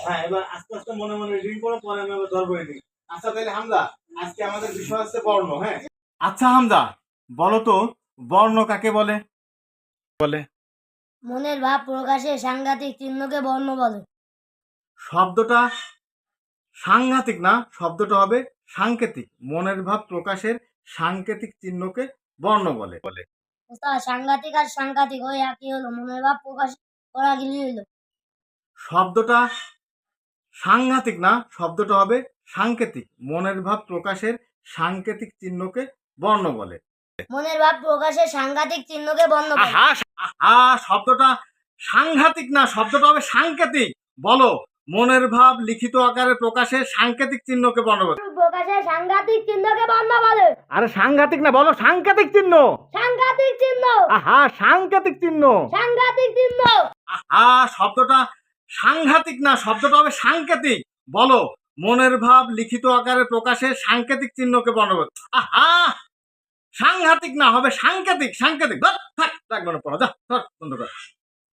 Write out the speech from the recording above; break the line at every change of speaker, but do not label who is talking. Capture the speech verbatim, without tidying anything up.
হ্যাঁ, এবার আস্তে আস্তে মনে মনে রিডিং করো, পরে আমি আবার ধরবো রিডিং। আচ্ছা তাহলে হামজা, আজকে আমাদের বিষয় হচ্ছে বর্ণ। হ্যাঁ, আচ্ছা হামজা, বলো তো বর্ণ কাকে বলে? বলে
মনের ভাব প্রকাশে সাংঘাতিক চিহ্নকে বর্ণ বলে।
শব্দটা সাংঘাতিক না, শব্দটা হবে সাংকেতিক। মনের ভাব প্রকাশের সাংকেতিক চিহ্নকে বর্ণ বলে। বলে
ওস্তাদ, সাংঘাতিক আর সাংঘাতিক ওই একই হলো, মনের ভাব প্রকাশ করা গেলি হইলো।
শব্দটা সাংঘাতিক না, শব্দটা হবে সাংকেতিক। মনের ভাব প্রকাশের সাংকেতিক চিহ্নকে বর্ণ বলে।
মনের ভাব প্রকাশে সাংঘাতিক চিহ্নকে বর্ণ বলে।
আহা আহা, শব্দটা সাংঘাতিক না, শব্দটা হবে সাংকেতিক। বলো, মনের ভাব লিখিত আকারে প্রকাশের সাংকেতিক চিহ্নকে বর্ণ বলে।
প্রকাশে সাংঘাতিক চিহ্নকে বর্ণ বলে।
আরে সাংঘাতিক না, বলো সাংকেতিক চিহ্ন।
সাংঘাতিক চিহ্ন।
আহা, সাংকেতিক চিহ্ন।
সাংঘাতিক চিহ্ন।
আহা, শব্দটা সাংঘাতিক না, শব্দটা হবে সাংকেতিক। বলো, মনের ভাব লিখিত আকারে প্রকাশের সাংকেতিক চিহ্নকে বর্ণ বলে। আহা, সাংঘাতিক না, হবে সাংকেতিক। সাংকেতিক। ধর, থাক, রাখবো না, পড়া, যা, ধর, বন্ধ কর।